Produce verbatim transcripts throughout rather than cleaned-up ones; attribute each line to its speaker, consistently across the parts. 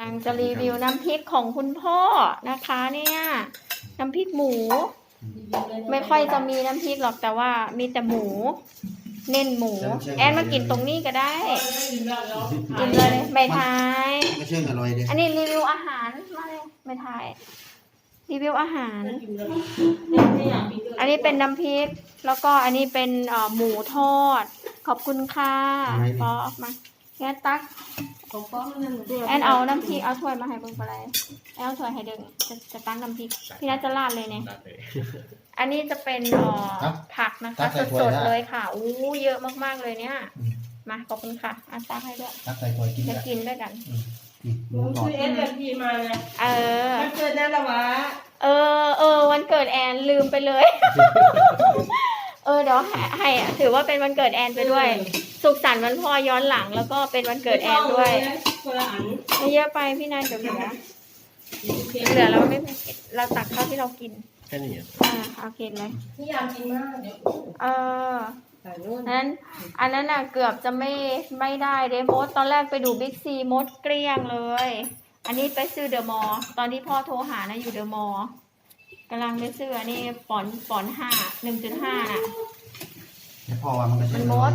Speaker 1: อังจะรีวิวน้ำพริกของคุณพ่อนะคะเนี่ยน้ำพริกหมูไม่ค่อยจะมีน้ำพริกหรอกแต่ว่ามีแต่หมูเน้นหมูแอนมากินตรงนี้ก็ได้กินเลยไม่ทาย
Speaker 2: ก็เชื่องอร่อยเลย
Speaker 1: อันนี้รีวิวอาหารมาเลยไม่ทายรีวิวอาหารอันนี้เป็นน้ำพริกแล้วก็อันนี้เป็นหมูทอดขอบคุณค่ะปอออกมาแอนตักแอนเอาน้ำพริกเอาถ้วยมาให้เบิ่งไปเลยแอนเอาถ้วยให้เดึงจะจะตั้งน้ำพริกพี่นัทจะราดเลยเนี่ยอันนี้จะเป็นผักนะคะสดๆเลยค่ะอู้เยอะมากๆเลยเนี่ยมาขอบคุณค่ะอาตักให้ด้วยจะกินด้วยกัน
Speaker 3: มึงช่วยเอสเอ็มพีมาไง
Speaker 1: เออ
Speaker 3: วันเกิดแน่ละวะ
Speaker 1: เออเออวันเกิดแอนลืมไปเลยเออเดี๋ยวให้ถือว่าเป็นวันเกิดแอนไปด้วยสุขสันต์วันพ่อย้อนหลังแล้วก็เป็นวันเกิดแอนด้วยไม่เยอะไปพี่นันเดี๋ยวเหลือเหลือเราไม่เราตักเท่าที่เรากิน
Speaker 2: แค่นี้
Speaker 1: อ่าโอเคเลย
Speaker 3: พี่ยามกินมาก
Speaker 1: เออนั้นอันนั้นน่ะเกือบจะไม่ไม่ได้เดมดตอนแรกไปดูบิ๊กซีมดเกลี้ยงเลยอันนี้ไปซื้อเดอะมอลล์ตอนที่พ่อโทรหานะอยู่เดอะมอลล์กำลังไปซื้ออันนี้ปอนปอนห้าหนึ่งจุดห้าน่ะ
Speaker 2: พ่อว่ามัน
Speaker 1: มันมด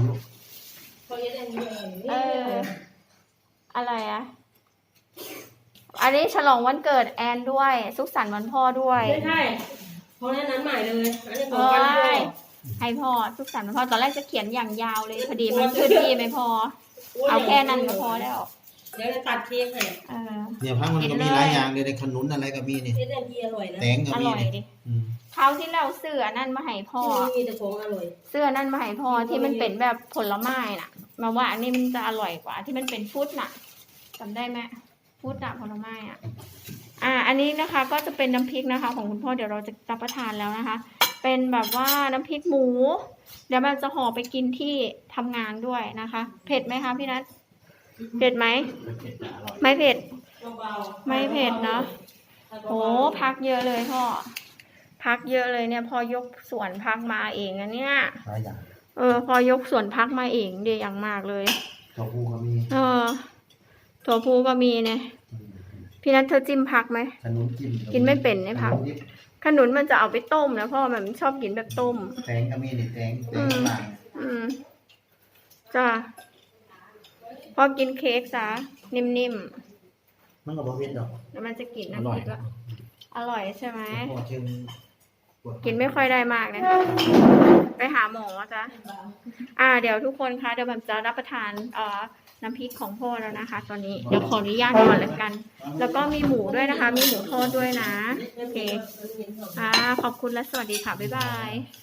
Speaker 1: เอออะไรอ่ะอันนี้ฉลองวันเกิดแอนด้วยสุขสันต์วันพ่อด้วย
Speaker 3: ไม่ใช่เพราะนั้นใหม่เลยอันนี้ของวันพ่อ
Speaker 1: ให้พ่อสุขสันต์วันพ่อตอนแรกจะเขียนอย่างยาวเลยพอดีมันขึ้นที่ไม่พอเอาแค่นั้นก็พอแล้ว
Speaker 3: เดี๋ยวจะตัดเค้กให้
Speaker 2: เนี่ยพักมันก็มีหลายอย่างเลยในขนุนอะไรก็มีนี่แตงก็มีดิ
Speaker 1: คราวที่เราเสื้อนั่นมาให้พ่อ
Speaker 3: มีแต่ของอร่อย
Speaker 1: เสื้อนั่นมาให้พ่อที่มันเป็นแบบผลไม้น่ะมาว่าอันนี้มันจะอร่อยกว่าที่มันเป็นฟรุตน่ะจำได้ไหมฟรุตน่ะผลไม้อ่ะอ่าอันนี้นะคะก็จะเป็นน้ำพริกนะคะของคุณพ่อเดี๋ยวเราจะรับประทานแล้วนะคะเป็นแบบว่าน้ำพริกหมูเดี๋ยวมันจะห่อไปกินที่ทำงานด้วยนะคะเผ็ดไหมคะพี่นัทเผ็ดไหมไม่เผ็ดไม่เผ็ดเนาะโอ้พักเยอะเลยพ่อพักเยอะเลยเนี่ยพอยกสวนพักมาเองอันเนี้ยเออพอยกสวนพักมาเองเดียอย่างมากเลย
Speaker 2: ถั่วพูก็มี
Speaker 1: เออถั่วพูก็มีเนี่ยพี่นัทเธอจิ้มพักไหม
Speaker 2: ขนุนจิ้ม
Speaker 1: กินไม่เป็นไอ้พักขนุนมันจะเอาไปต้มนะพ่อมันชอบกินแบบต้ม
Speaker 2: แตงก็มีนี่แตงแตงต่าง
Speaker 1: อืมจ้าพอกินเค้กซะนิ่ม
Speaker 2: ๆมันก็บ่เผ็ดดอก
Speaker 1: แล้วมันจะกินนะคิดว่าอร่อยใช่ไหม
Speaker 2: กิ
Speaker 1: นไม่ค่อยได้มากนะไปหาหมอจ้ะอ่าเดี๋ยวทุกคนคะเดี๋ยวผมจะรับประทานเอ่อน้ำพริกของพ่อแล้วนะคะตอนนี้เดี๋ยวขออนุญาตก่อนแล้วกันแล้วก็มีหมูด้วยนะคะมีหมูทอดด้วยนะโอเคอ่าขอบคุณและสวัสดีค่ะบ๊ายบาย